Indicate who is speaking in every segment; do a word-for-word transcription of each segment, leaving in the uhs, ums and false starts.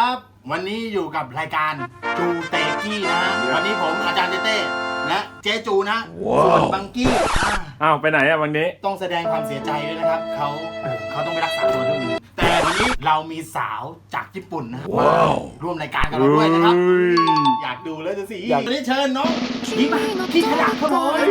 Speaker 1: ครับวันนี้อยู่กับรายการจูเตกี้นะฮะวันนี้ผมอาจารย์เต้เต้และเจ๊จูนะส่วนบังกี้
Speaker 2: อ้าวไปไหนอะวันนี้
Speaker 1: ต้องแสดงความเสียใจด้วยนะครับเขาเขาต้องไปรักษาตัวที่นี่แต่วันนี้เรามีสาวจากญี่ปุ่นนะมาร่วมรายการกับเราด้วยนะครับอยากดูแล้วจะสิวันนี้เชิญน้องพี่มาพี่ขยันเขาหน่อย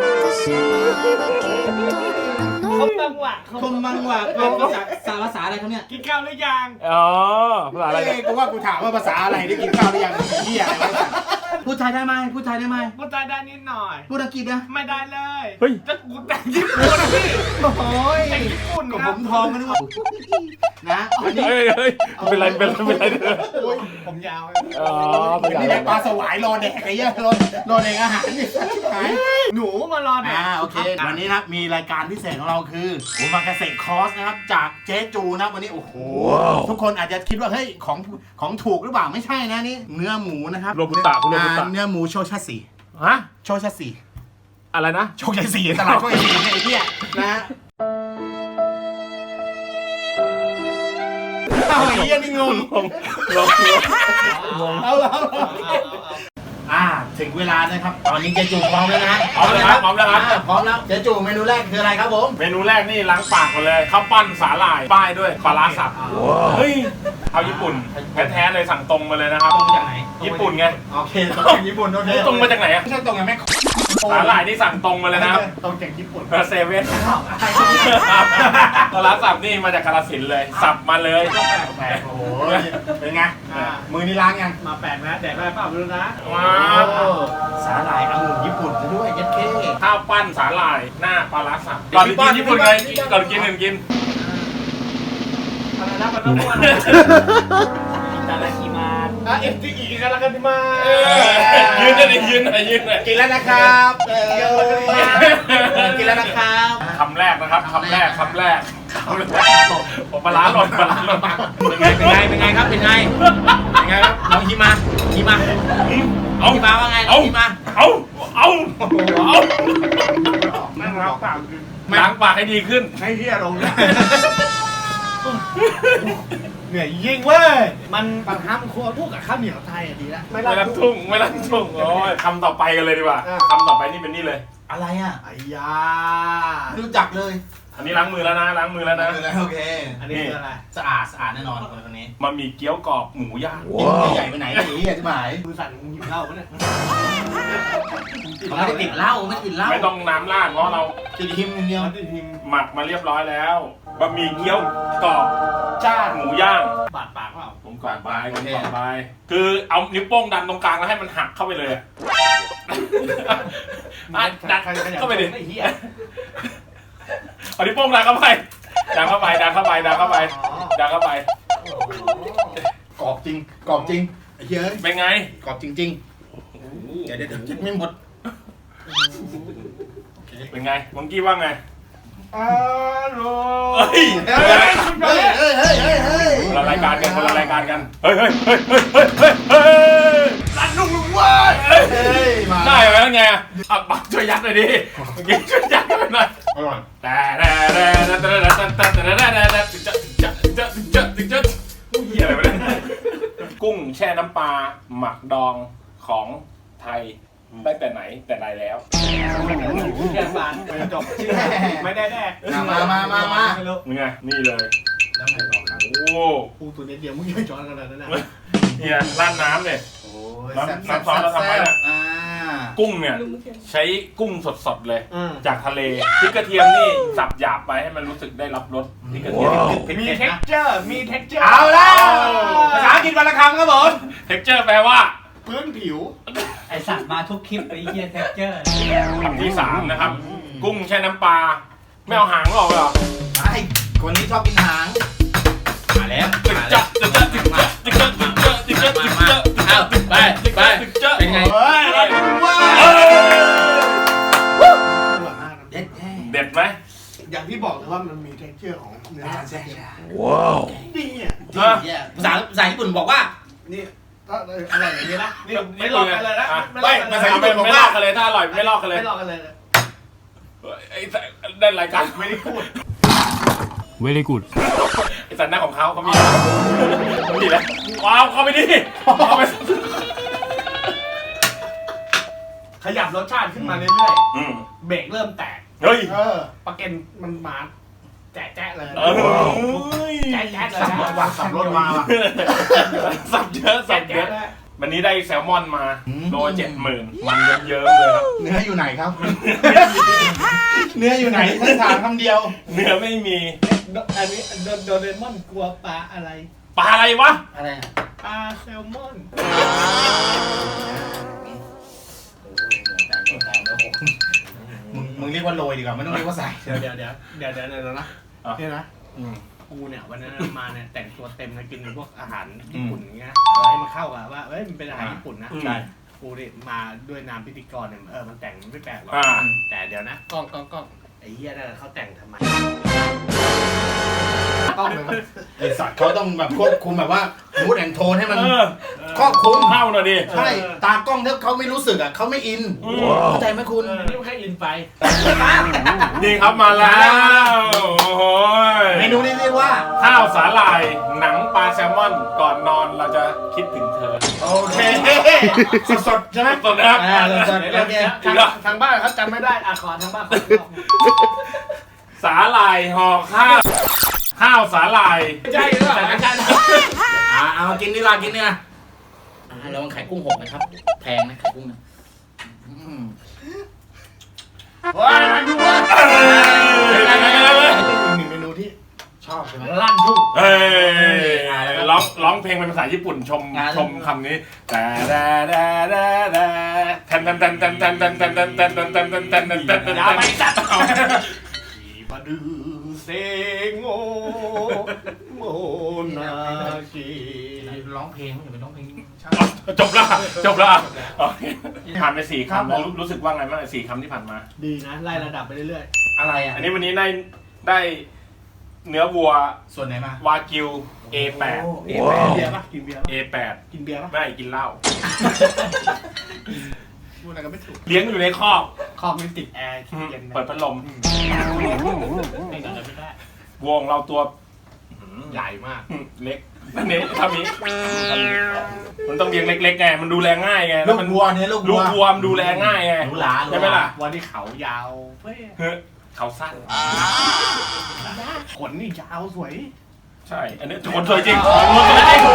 Speaker 3: คมบังหวะ
Speaker 1: คมบังหวะเป็นภาษาสารภาษาอะไรครับเนี่ย
Speaker 3: กินข้าวหรือยัง
Speaker 2: อ๋อภาษาอะไร
Speaker 1: กูว่ากูถามว่าภาษาอะไรได้กินข้าวหรือยังเหี้ยอะไรพูดไทยได้ไหมพูดไทยได้ไหม
Speaker 3: พูดไทยได้นิดหน่อย
Speaker 1: พูดอังกฤษนะ
Speaker 3: ไม่ได้เลย
Speaker 2: เฮ้ย
Speaker 3: จะกูแต่งญี่ปุ่นพี่
Speaker 1: โอ้ย
Speaker 3: แต่งญี่ปุ่น
Speaker 1: กับผมทองกันด้วยนะวันนี้
Speaker 2: เฮ้ยเฮ้ยเป็นไรเป็นไรเป็นไรเด้อ
Speaker 3: ผมยาว
Speaker 2: อ๋อ
Speaker 1: วันนี้ได้ปลาสวายรอแดกไอ้เหี้ยรอรอแดกอาหารนี่หาย
Speaker 3: หนูมารอแดก
Speaker 1: อ่าโอเควันนี้นะมีรายการพิเศษของเราคือโอมากาเสะคอร์สนะครับจากเจ๊จูนะวันนี้โอ้โหทุกคนอาจจะคิดว่าเฮ้ยของของถูกหรือเปล่าไม่ใช่นะนี่เนื้อหมูนะครับ
Speaker 2: โรบุตะคุณโรบุตะ
Speaker 1: เนื้อหมูโชชัสสี
Speaker 2: ฮะ
Speaker 1: โชชัสสี
Speaker 2: อะไรนะ
Speaker 1: โชชัสสีตลาดโชชัสสีไอ้เหี้ยนะเอาไอ้เหี้ยนี่งง
Speaker 2: งงงง
Speaker 1: เอาเอาอ่าถึงเวลานะครับตอนนี้เจ๊จูพร้อมแล้วนะ
Speaker 2: พร้อมแล้วครับพร้อมแล้วครับ
Speaker 1: พร้อมแล้วเจ๊จูเมนูแรกคืออะไรครับผม
Speaker 2: เมนูแรกนี่ล้างปากก่อนเลยข้าวปั้นสาหร่ายป้ายด้วยปลาร้าสับเฮ้ยเอาญี่ปุ่นแท้ๆเลยสั่งตรงมาเลยนะครับ
Speaker 1: ตรงจากไหน
Speaker 2: ญี่ปุ่นไง
Speaker 1: โอเคตรงจากญี่ปุ่นโอเค
Speaker 2: ตรงมาจากไหนอะ
Speaker 1: ไม่ใช่ตรงไงแม่
Speaker 2: สาหร่ายนี่สั่งตรงมาเลยนะครับ
Speaker 1: ตรงจากญี่ปุ่น
Speaker 2: เซเว่นปลาร้าสับนี่มาจากกาฬสินธุ์เลยสับมาเลย
Speaker 1: แปลกโอ้โหเป็นไงมือนี่ล้างยัง
Speaker 3: มาแปลกนะแดกได้เปล่าไม่รู้นะ
Speaker 2: ว้า
Speaker 1: สาหร่ายองุ่นญี่ปุ่นซะด้วยยัดเข้
Speaker 2: ข้าวปั้นสาหร่ายหน้าปลาร้าสับก่อนกินญี่ปุ่นไงก่อนกินหนึ่งกิน
Speaker 3: อะไรนะมันต้องพูดอะไรตาลาคิมาอ่ะเอ็มจีอีกันแล้วกันที่มา
Speaker 2: ยืนได้ดิยืนหน่อยยืนหน่อย
Speaker 1: กินแล้วนะครับกินแล้วนะครับ
Speaker 2: คำแรกนะครับคำแรกคำแรกคำแรกผมปลาร้าหล่นปลาร้าหล่น
Speaker 1: เป็นไงเป็นไงเป็นไงครับเป็นไงเป็นไงครับน้องฮิมาฮิมาเอาฮิมาว่าไงเอาฮิมา
Speaker 2: เอาเอาเอา
Speaker 3: นั่งล้างปาก
Speaker 2: ล้างปากให้ดีขึ้น
Speaker 1: ให้เฮียลงนะ
Speaker 3: เหนื่อยยิงเว้ยมันปัญหามันควรพูดกับข้าวเหนียวไทยอ่ะดีละ
Speaker 2: ไม่รักทุ่งไม่รักทุ่งโอ้ยคำต่อไปกันเลยดีกว่าคำต่อไปนี่เป็นนี่เลย
Speaker 1: อะไรอ่ะ
Speaker 3: ไอ้ยา
Speaker 1: รู้จักเลย
Speaker 2: อันนี้ล้างมือแล้วนะล้างมือแล้วนะ
Speaker 1: โอเค
Speaker 3: อันนี้คืออะไร
Speaker 1: สะอาดสะอาดแน่นอนคนนี้
Speaker 2: มันมีเกี๊ยวกรอบหมูย่าง
Speaker 1: ใหญ่ไปไหนไอ้เหี้ยที่หมาย
Speaker 3: มือสั่นมึงหยิบเหล้าปะเนี่ย
Speaker 1: ไม่ได้ติดเหล้าไม่ติดเหล้า
Speaker 2: ไม่ต้องน้ำราดเพราะเรา
Speaker 1: ติดหิมเดียว
Speaker 3: ติดหิม
Speaker 2: หมักมาเรียบร้อยแล้วบะหมี่เกี๊ยวกรอบจ้าหมูย่าง
Speaker 3: บาดปากเปล่า
Speaker 2: ผมกอดไปผมกอดไปคือเอานิ้วโป้งดันตรงกลางแล้วให้มันหักเข้าไปเลยดันเข้าไปดิเอานิ้วโป้งดันเข้าไปดันเข้าไปดันเข้าไปดันเข้าไปดันเข้าไป
Speaker 1: กรอบจริงกรอบจริงไอ้เหี้ย
Speaker 2: เป็นไง
Speaker 1: กรอบจริงๆเดี๋ยวเดี๋ยวกินไม่หมด
Speaker 2: เป็นไงมังกี้ว่าไง
Speaker 3: อร่
Speaker 2: อยเฮ้ย
Speaker 1: เฮ้ยเฮ้ยเฮ้ยเฮ้ยเฮ้ย
Speaker 2: คนละรายการกันคนละรายการกันเฮ้ยเฮ้ยเฮ้ยเฮ้ยเฮ้ยเฮ้ยเฮ้ย
Speaker 1: รันนุ่งลุงเว้ย
Speaker 2: ได้ไหมไงอ่ะปักช่วยยัดหน่อยดิยิงช่วยยัดหน่อยแต่แต่แต่แต่แต่แต่แต่แต่แต่แต่จะจะจะจะจะเหี้ยอะไรวะเนี่ยกุ้งแช่น้ำปลาหมักดองของไทยได้แต่ไหนแต่ใดแล้ว
Speaker 3: แค่บานจบชื่อไม่ได้แน่
Speaker 1: มามามามา
Speaker 2: นี่ไงนี่เลย
Speaker 1: แล้วไงต่อครับ
Speaker 2: โอ้
Speaker 3: ปูตัวเดียวมึงยังช้อนกันเลยนะ
Speaker 2: เนี่ยร้านน้ำเนี่ยน้ำน้ำซอสเราทำไว้เนี่ยกุ้งเนี่ยใช้กุ้งสดๆเลยจากทะเลพริกกระเทียมนี่สับหยาบไปให้มันรู้สึกได้รับรสพริกกระเทียม
Speaker 3: มี texture มี texture
Speaker 1: เอาแล้วภาษาอังกฤษวันละคำครับผม
Speaker 2: texture แปลว่า
Speaker 3: พื้นผิว
Speaker 4: ไอสัตว์มาทุกคลิปไอเหี้ย texture
Speaker 2: คำที่สามนะครับกุ้งแช่น้ำปลาไม่เอาหางออกเหรอ
Speaker 1: ไอ้คนนี้ชอบกินหางมาแล้ว
Speaker 2: ตึกจะตึกจะตึกจะตึกจะตึกจะตึกจะตึกจะ
Speaker 1: เอาไปไปเป็นไง
Speaker 2: เด็ดไหม
Speaker 3: อย่างที่บอกเลยว่ามันมี texture ของเนื้อ
Speaker 1: ใช่
Speaker 2: ว้าว
Speaker 3: ดีอ่ะ
Speaker 1: ภาษาภาษาญี่ปุ่นบอกว่า
Speaker 3: นี่ถ้าอร่อยอย่างนี้นะนี่ไม่ลอกกันเลยนะ
Speaker 2: ไม่ภาษาญี่ปุ่นบอกว่ากันเลยถ้าอร่อยไม่ลอกกันเลย
Speaker 3: ไม่ลอกกันเลย
Speaker 2: ไอ้ได้รายการ
Speaker 3: ไม่ได้พูด
Speaker 2: very good สันหน้าของเขาเขามีเขามีแล้วว้าวเข้าไปดิเข้าไป
Speaker 3: ขยับรสชาติขึ้นมาเรื่อย
Speaker 2: อืม
Speaker 3: ๆเบรกเริ่มแตก
Speaker 2: เฮ้ย
Speaker 3: เออปลาเก็นมันมาแจ๊ะๆเลย
Speaker 2: เออ
Speaker 3: แจ๊ะๆเลย
Speaker 1: สับรถว่ะสับรถมาว่ะ
Speaker 2: สับเยอะสับเย
Speaker 3: แจ๊ะ
Speaker 2: อะ
Speaker 3: ๆเลย
Speaker 2: วันนี้ได้แซลมอนมา
Speaker 1: อืม
Speaker 2: โลเจ็ดหมื่นมันเยิ้มๆเลยครับ
Speaker 1: เนื้ออยู่ไหนครับ เนื้ออยู่ไหนท่านถามคำเดียว
Speaker 2: เนื้อไม่มี
Speaker 3: อันนี้โดโดเรมอนกลัวปลาอะไร
Speaker 2: ปลาอะไรวะ
Speaker 1: อะไรอะ
Speaker 3: ปลาแซลมอน
Speaker 1: มึงมึงเรียกว่าโรยดีกว่าไม่ต้องเรียกว่าใส่
Speaker 3: เดี๋ยวเดี๋ยวเดี๋ยวเดี๋ยวเดี๋ยวเดี๋ยวนะ
Speaker 2: อ่ะ
Speaker 3: เนี่ยนะ
Speaker 2: อืม
Speaker 3: กูเนี่ยวันนั้นมาเนี่ยแต่งตัวเต็มนะกินพวกอาหารญี่ปุ่นอย่างเงี้ยเออให้มันเข้ากับว่าเอ้ยมันเป็นอาหารญี่ปุ่นนะ
Speaker 2: อืม
Speaker 3: ใช่กูเนี่ยมาด้วยนามพิธีกรเนี่ยเออมันแต่งไม่แปลกหรอก
Speaker 2: อ่า
Speaker 3: แต่เดี๋ยวนะกล้องกล้องกล้องไอ้เหี้ยนั่นเขาแต่งทำไมกล้องเลย
Speaker 1: ไอสัตว์เขาต้องแบบควบคุมแบบว่ามูดแอนโทนให้มัน
Speaker 2: เออ
Speaker 1: ครอบคลุม
Speaker 2: เข้าหน่อยดิ
Speaker 1: ใช่ ตากล้องถ้าเขาไม่รู้สึกอ่ะเขาไม่อิน
Speaker 2: อืม
Speaker 1: เข้าใจไหมคุณ
Speaker 3: เออนี่มันแค่อินไป
Speaker 2: นี่ครับมาแล้วโอ้โห
Speaker 1: เมนูนี้เรียกว่า
Speaker 2: ข้าวสาหร่ายหนังปลาแซลมอนก่อนนอนเราจะคิดถึงเธอ
Speaker 1: โอเคสดๆใช่ไหม
Speaker 2: สดนะครับ
Speaker 1: อ่าสด
Speaker 3: เดี๋ยว
Speaker 1: ๆโอ
Speaker 3: เดี๋ยว
Speaker 1: เค
Speaker 3: เดี๋ยวทางทางบ้านเขาจำไม่ได้อ่ะขอทางบ้านขอ
Speaker 2: สาหร่ายห่อข้าวข้าวสาหร่าย
Speaker 3: ไม่ใช่หรือเปล่าไม่ใช่นะ
Speaker 1: อ่าเอากินนี่ละกินเนี่ยอ่าระวังไข่กุ้งหกนะครับแพงนะไข่กุ้งนะอืม
Speaker 3: ว้ายมันดูว่า
Speaker 2: เป็นไงเป็นไงเป็นไง
Speaker 3: หนึ่งเมนูที่
Speaker 1: ชอบใช่ไหม
Speaker 3: ลั่นทุ่ง
Speaker 2: เฮ้ยร้องร้องเพลงเป็นภาษาญี่ปุ่นชม
Speaker 1: อ่า
Speaker 2: ชมคำนี้แต่แต่แต่แต่แต่แทนแทนแทนแทนแทนแทนแทนแทนแทนแทนแทนแทนแทนแทนแทนแทน
Speaker 3: อย่าไปจัดบาดูเซงโอโมนากิ
Speaker 1: ร้องเพลงอย่าไปร้องเพลงชอบ
Speaker 2: จบละจบละโอเคผ่านไปสี่คำแล้วรู้รู้สึกว่าไงบ้างสี่คำที่ผ่านมา
Speaker 3: ดีนะไล่ระดับไปเรื่อย
Speaker 1: อะไรอ่ะ
Speaker 2: อันนี้วันนี้ได้ได้เนื้อวัว
Speaker 1: ส่วนไหนมา
Speaker 2: วากิว เอ แปด
Speaker 3: ๆกินเบียร์ปะกินเบียร์ปะ
Speaker 2: เอ แปด
Speaker 3: กินเบียร์ปะ
Speaker 2: ไม่กินเหล้า
Speaker 3: พูดอะไรก็ไม่ถูก
Speaker 2: เลี้ยงอยู่ในคอก
Speaker 3: คอมมันติดแอร์เย็นนะ
Speaker 2: เปิดพัดลม
Speaker 3: ไม่กันเลยไม่ได้
Speaker 2: วัวของเราตัว
Speaker 3: ใหญ่มาก
Speaker 2: เล็กนี่เท่านี้มันต้องเลี้ยงเล็กๆไงมันดูแลง่ายไง
Speaker 1: ลู
Speaker 2: แล้ว
Speaker 1: ก
Speaker 2: มัน
Speaker 1: วัวเนี่ยลูก
Speaker 2: ลู
Speaker 1: วัว
Speaker 2: กวัวมันดูแลง่ายไง
Speaker 1: หรูหรา
Speaker 2: ใช่ไหมล่ะ
Speaker 3: วันที่เขายาวเฟ้ย
Speaker 2: เฮ้ยเขาสั้น
Speaker 3: ขนนี่ยาวสวย
Speaker 2: ใช่ อันนี้ขนสวยจริงขนสวยจริง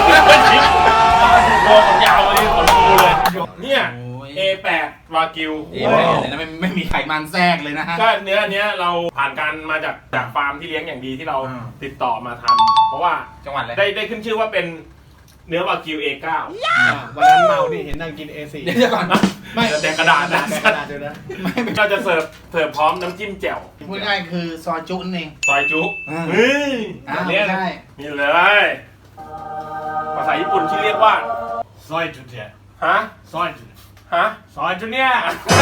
Speaker 2: วัวขนยาวเลยขนฟูเลยเนี่ย
Speaker 1: โอ้ย
Speaker 2: เอ แปด วากิว
Speaker 1: เอแปดเลยนะไม่ไม่มีไขมันแทรกเลยนะฮะ
Speaker 2: ก็เนื้อเนี้ยเราผ่านการมาจากจากฟาร์มที่เลี้ยงอย่างดีที่เรา
Speaker 1: อ่า
Speaker 2: ติดต่อมาทำเพราะว่า
Speaker 1: จังหวัดอะไร
Speaker 2: ได้ได้ขึ้นชื่อว่าเป็นเนื้อวากิว เอ เก้า
Speaker 3: วันนั้นเมานี่เห็นนั่งกิน เอ สี่
Speaker 1: เดี๋ยวก่อนไม่
Speaker 2: แต่กระดาษนะ
Speaker 3: แต่กระดาษเดี๋ยวนะ
Speaker 1: ไม่ไม่
Speaker 2: ก็จะเสิร์ฟเสิร์ฟพร้อมน้ำจิ้มแจ่ว
Speaker 1: พูดง่ายๆคือซอยจุนั่นเอง
Speaker 2: ซอยจุ
Speaker 1: อ่า
Speaker 2: เฮ้ย
Speaker 1: อ้าว
Speaker 2: เนี้ย
Speaker 1: ใช่
Speaker 2: นี่เลยภาษาญี่ปุ่นชื่อเรียกว่า
Speaker 3: ซอยจุดเนี่ย
Speaker 2: ฮะ
Speaker 3: ซอยจุด
Speaker 2: ฮะ
Speaker 3: ซอยจุดเนี่ย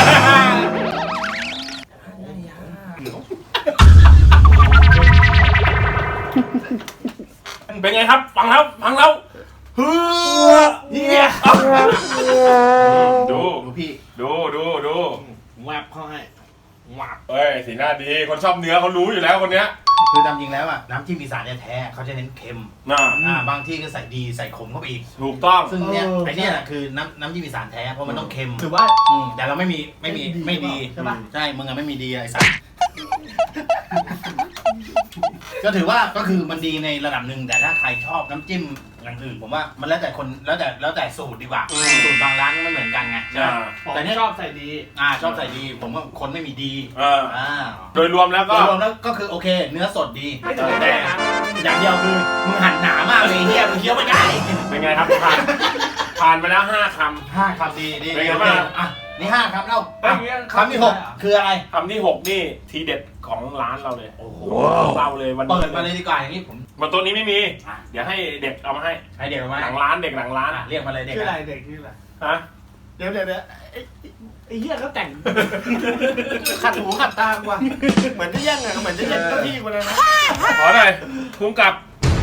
Speaker 2: เป็นไงครับฟังแล้วฟังแล้วเฮ้อเฮียดู
Speaker 1: ดูพี่
Speaker 2: ดูดูดู
Speaker 3: แวบเข้าให้แวบ
Speaker 2: เฮ้ยสีหน้าดีคนชอบเนื้อเขารู้อยู่แล้วคนเนี้ย
Speaker 1: คือตามจริงแล้วอ่ะน้ำจิ้มอีสานเนี่ยแท้เขาจะเน้นเค็ม
Speaker 2: น่า
Speaker 1: อ่าบางที่ก็ใส่ดีใส่ขมเข้าไปอีก
Speaker 2: ถูกต้อง
Speaker 1: ซึ่งเนี่ยไอเนี่ยน่ะคือน้ำน้ำจิ้มอีสานแท้เพราะมันต้องเค็ม
Speaker 3: ถือว่า
Speaker 1: อืมแต่เราไม่มีไม่มีไม่ดี
Speaker 3: ใช่ปะ
Speaker 1: ใช่มึงอะไม่มีดีอะไอ้สัสก็ถือว่าก็คือมันดีในระดับหนึ่งแต่ถ้าใครชอบน้ำจิ้มอย่างอื่นผมว่ามันแล้วแต่คนแล้วแต่แล้วแต่สูตรดีกว่า
Speaker 2: อืม
Speaker 1: สูตรบางร้านไม่เหมือนกันไงใช่ไหม
Speaker 2: อ่า
Speaker 3: ผม
Speaker 1: แต่เนี่ย
Speaker 3: ชอบใส่ดี
Speaker 1: อ่าชอบใส่ดี ผมว่าคนไม่มีดี
Speaker 2: เออ
Speaker 1: อ่า
Speaker 2: โดยรวมแล้ว
Speaker 1: โด
Speaker 2: ก็
Speaker 1: ยรวมแล้วก็คือโอเค เนื้อสดดี
Speaker 3: ไม่ถึง
Speaker 1: แต่
Speaker 3: แน่นะ
Speaker 1: อย่างเดียวคือมึงหั่นหนามากเลยเฮียมึงเคี้ยวไม่ได้
Speaker 2: เป็นไงครับผ่านผ่านไปแล้วห้าค
Speaker 1: ห้าคำดีดี
Speaker 2: เป็นไง
Speaker 1: โอ
Speaker 2: บ้าง
Speaker 1: เคอ่ะนี่ห้าคำเล่า
Speaker 3: เฮ้ย
Speaker 1: อ่ะคำที่หกคืออะไร
Speaker 2: ำคำที่หกนี่ทีเด็ดของร้านเราเลย
Speaker 1: โอ้โห
Speaker 2: เราเลยวันนี้
Speaker 1: เปิดมาเลยดีกว่าอย่างนี้ผม
Speaker 2: บนโต๊ะนี้ไม่มี
Speaker 1: อ่ะ
Speaker 2: เดี๋ยวให้เด็กเอามาให้
Speaker 1: ให้เด็กมา
Speaker 2: หลังร้านเด็กหลังร้าน
Speaker 1: อ่ะเรียกมาเลยเด็ก
Speaker 3: ชื่ออะไร
Speaker 1: อ่ะ
Speaker 3: เด็กชื่ออะไร
Speaker 2: ฮะ
Speaker 3: เดี๋ยวเดี๋ยวเดี๋ยวไอ้ไอ้เหี้ยเขาแต่ง ขัดหูขัดตากว่าเหมือนจะแย่งอะเหมือนจะแย่งเจ้าที่คนนั้นนะ
Speaker 2: ขอหน่อยคุ้มกับ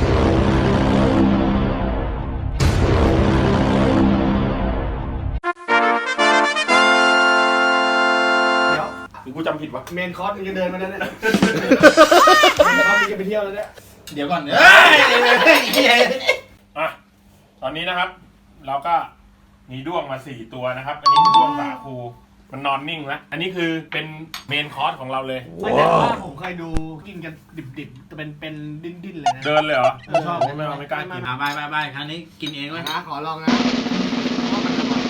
Speaker 3: เดี๋ยว
Speaker 2: หรือกูจำผิดวะ
Speaker 3: เมนคอร์สมึงจะเดินมาแล้วเนี่ยเมนคอร์สมึงจะไปเที่ยวแล้วเนี่ย
Speaker 1: เดี๋ยวก่อนเฮ้ยเฮ้ย
Speaker 2: อ่ะตอนนี้นะครับ เราก็มีด้วงมาสี่ตัวนะครับ อันนี้คือด้วงสาคูมันนอนนิ่งแล้วอันนี้คือเป็นเมนคอร์สของเราเลย
Speaker 3: ไม่แต่ว่าผมเคยดูกินกันดิบๆเป็นเป็นดิ้นๆเลยนะ
Speaker 2: เดินเลยเหรอ
Speaker 3: ไม่ชอบ
Speaker 2: ไม่เอาไม่กล้ากิน
Speaker 1: อ่ะไปไปไปครั้งนี้กินเองเลย
Speaker 3: นะขอลองนะเพราะมันอร่อย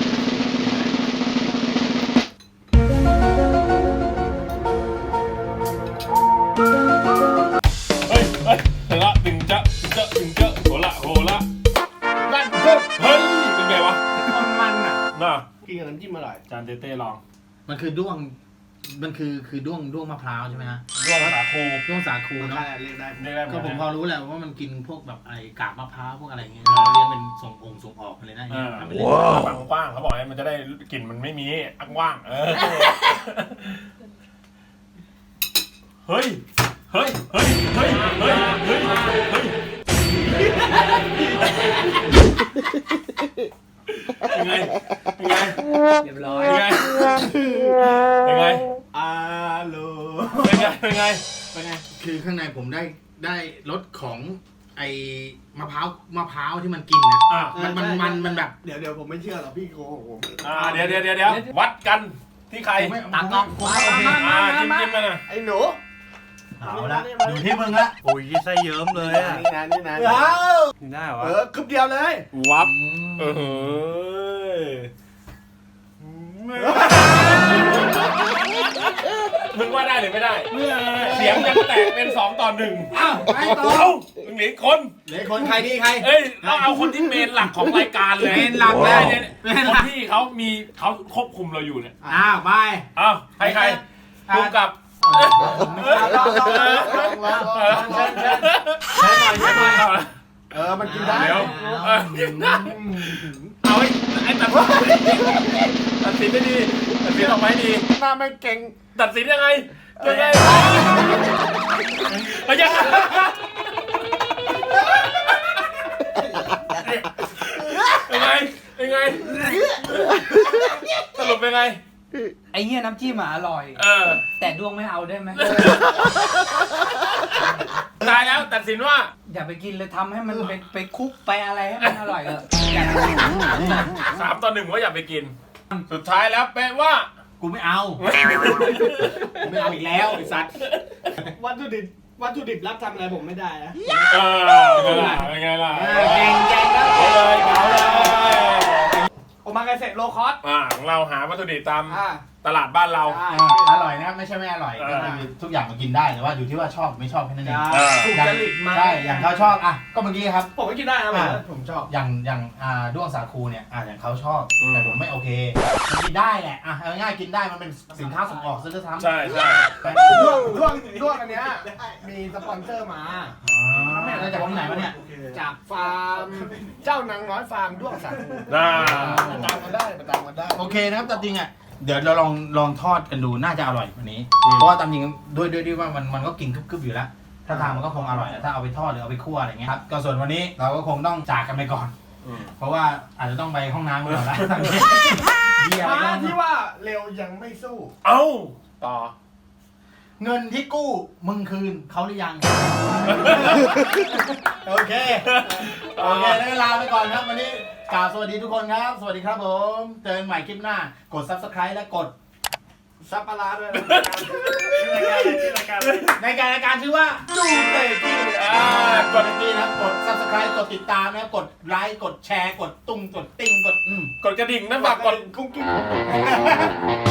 Speaker 2: เฮ้ยเฮ้ยถึงละถึงจะถึงจะถึงจะโหละโหละ
Speaker 3: นั่นเพิ่ม
Speaker 2: เฮ้ยเป็นไงวะ
Speaker 3: มันมันอ่ะ
Speaker 2: น่ะ
Speaker 3: กินกับน้ำจิ้มอร่อย
Speaker 2: จานเต้เต้ลอง
Speaker 1: มันคือด้วงมันคือคือด้วงด้วงมะพร้าวใช่ไหมฮะ
Speaker 2: ด้วงสาคู
Speaker 1: ด้วงสาคู
Speaker 3: มัน
Speaker 1: เนาะ
Speaker 3: ได้เรียกได้
Speaker 2: ได้ได้ไหม
Speaker 1: ก็ผมพอรู้แหละว่ามันกินพวกแบบไอ้กากมะพร้าวพวกอะไรอย่างเงี้ยเขาเลี้ยงเป็นส่งองค์ส่งออกเลยนะ
Speaker 2: อ่า
Speaker 1: ทำไปเลย
Speaker 2: ว้าวกว้างเขาบอกให้มันจะได้กลิ่นมันไม่มีอักว่างเออเฮ้ยเฮ้ยเฮ้ยเฮ้ยเฮ้ยเฮ้ยเฮ้ยยังไงยังไง
Speaker 4: เรียบร้อย
Speaker 2: ยังไงยังไง
Speaker 3: อาโล
Speaker 2: เป็นไงเป็นไง
Speaker 3: เป็นไง
Speaker 1: คือข้างในผมได้ได้รสของไอ้มะพร้าวมะพร้าวที่มันกินนะ
Speaker 2: อ่ะ
Speaker 1: มันมันมันมันแบบ
Speaker 3: เดี๋ยวเดี๋ยวผมไม่เชื่อหรอกพี่โกหกผม
Speaker 2: อ่าเดี๋ยวเดี๋ยวเดี๋ยวเดี๋ยววัดกันที่ใคร
Speaker 1: ผมไม่ตากล้องผมไม่โอเค
Speaker 2: อ่าจิ้มจิ้มมาหน่อย
Speaker 3: ไอ้หนู
Speaker 1: เอาละอยู่ที่มึงละ
Speaker 4: โอ้ยไส้เยิ้มเลยอ่ะ
Speaker 3: นี่นะนี่นะ
Speaker 1: เอา
Speaker 4: ได้เหรอ
Speaker 3: เอ
Speaker 4: วะ
Speaker 3: อคึบเดียวเลย
Speaker 2: วับเออมึงว่าได้หรือไม่ได้เสียงยังแตกเป็นสองต่อหนึ่ง
Speaker 1: อ้าวไปต่อ
Speaker 2: เอ้ามึงหนีคน
Speaker 1: เหลือคนใครดีใคร
Speaker 2: เอ้ยเราเอาคนที่เมนหลักของรายการเลย
Speaker 1: เมนหลักเลย
Speaker 2: เนี่ย
Speaker 1: เมน
Speaker 2: ค
Speaker 1: หลั
Speaker 2: น
Speaker 1: ก
Speaker 2: ที่เขามีเขาควบคุมเราอยู่เนี่ย
Speaker 1: อ้าวไป
Speaker 2: เอ้าใครใครคุมกับ
Speaker 3: เอาลองลองลองลองลองลองเชิญเชิญใช้หน่อยใช้หน่อยเออมันกินได้
Speaker 2: เดี๋ยวเออกินได้เอาไอ้ไอ้ตัดตัดสินได้ดีตัดสินออกมาให้ดี
Speaker 3: หน้าไม่เก่ง
Speaker 2: ตัดสินยังไงยังไงเอายังไงยังไงยังไงสรุปเป็นไง
Speaker 4: ไอ้เหี้ยน้ำจิ้มอ่ะอร่อย
Speaker 2: เออ
Speaker 4: แต่ดวงไม่เอาได้ไหม
Speaker 2: ตายแล้วตัดสินว่า
Speaker 4: อย่าไปกินเลยทำให้มันไปไปคุกไปอะไรให้มันอร่อยเถอะอย่าไปกิน
Speaker 2: สามต่อหนึ่งว่าอย่าไปกิน สุดท้ายแล้วเป็นว่า
Speaker 1: กูไม่เอากูไม่เอาอีกแล้วไอ้สัตว์
Speaker 3: วัตถุดิบวัตถุดิบรับทำอะไรผมไม่ได้นะ
Speaker 2: เออเป็นไงล่ะ
Speaker 1: เก่งเก่งแล้ว
Speaker 2: เอาเลยเอาเลย
Speaker 3: โอมากาเสะโลคอส
Speaker 2: อ่าของเราหาวัตถุดิบตาม
Speaker 3: อ่า
Speaker 2: ตลาดบ้านเรา
Speaker 3: ได้
Speaker 1: อร่อยนะครับไม่ใช่ไม่อร่อย
Speaker 2: เอ
Speaker 1: ก็
Speaker 2: อ
Speaker 1: คือทุกอย่างมันกินได้แต่ว่าอยู่ที่ว่าชอบไม่ชอบแค่นั้นเอง
Speaker 2: เออ
Speaker 3: ถูกจริตไหม
Speaker 1: ใช่อย่างเขาชอบอ่ะก็เมื่อกี้ครับ
Speaker 3: ผมก็กินได้นะผมว่าผมชอบ
Speaker 1: อย่างอย่างอ่าด้วงสาคูเนี่ยอ่าอย่างเขาชอบแต่ผมไม่โอเคมันกินได้แหละอ่ะเอาง่ายๆกินได้มันเป็นสินค้าส่งออกซะด้วยซ้ำ
Speaker 2: ใช่ใช่
Speaker 1: ไป
Speaker 3: ด้วงด้วงด้วงอันเนี้ยมีสปอนเซอร์มา
Speaker 1: อ๋อแล้วจากที่ไหนวะเนี่ย
Speaker 3: จากฟาร์มเจ้านางน้อยฟาร์มด้วงสาคู
Speaker 2: น่า
Speaker 3: ตามกันได้ไปตามกันได้
Speaker 1: โอเคนะครับแต่จริงอ่ะเดี๋ยวเราลองลองทอดกันดูน่าจะอร่อยกว่านี้ เพราะว่าตามจริงด้วยด้วยด้วยว่ามันมันก็กินกรึบๆอยู่แล้ว ถ้าทางมันก็คงอร่อยแหละถ้าเอาไปทอดหรือเอาไปคั่วอะไรเงี้ยครับก็ส่วนวันนี้เราก็คงต้องจากกันไปก่อน เพราะว่าอาจจะต้องไปห้องน้ำก่อนแล้วตอนนี้เบียร์
Speaker 3: มา
Speaker 1: แล้ว
Speaker 3: ที่ว่าเร็วยังไม่สู้
Speaker 2: เอ้าต่อ
Speaker 1: เงินที่กู้มึงคืนเขาหรือยัง โอเค โอเคได้เวลาไปก่อนครับวันนี้กล่าวสวัสดีทุกคนครับ สวัสดีครับผมเจอกันใหม่คลิปหน้ากด ซับสไครบ์ และกด
Speaker 3: ซับปลาร้าด้วยนะ
Speaker 2: ชื่อรายการชื่อรายการ
Speaker 1: ในการรายการชื่อว่าจูเตกี้อ่ากดตี้นะครับกด ซับสไครบ์ กดติดตามนะครับกดไลค์กดแชร์ กดตุ้งกดติ้งกดอืม
Speaker 2: กดกระดิ่งนะฝากกด
Speaker 3: กุ้งกิ้ง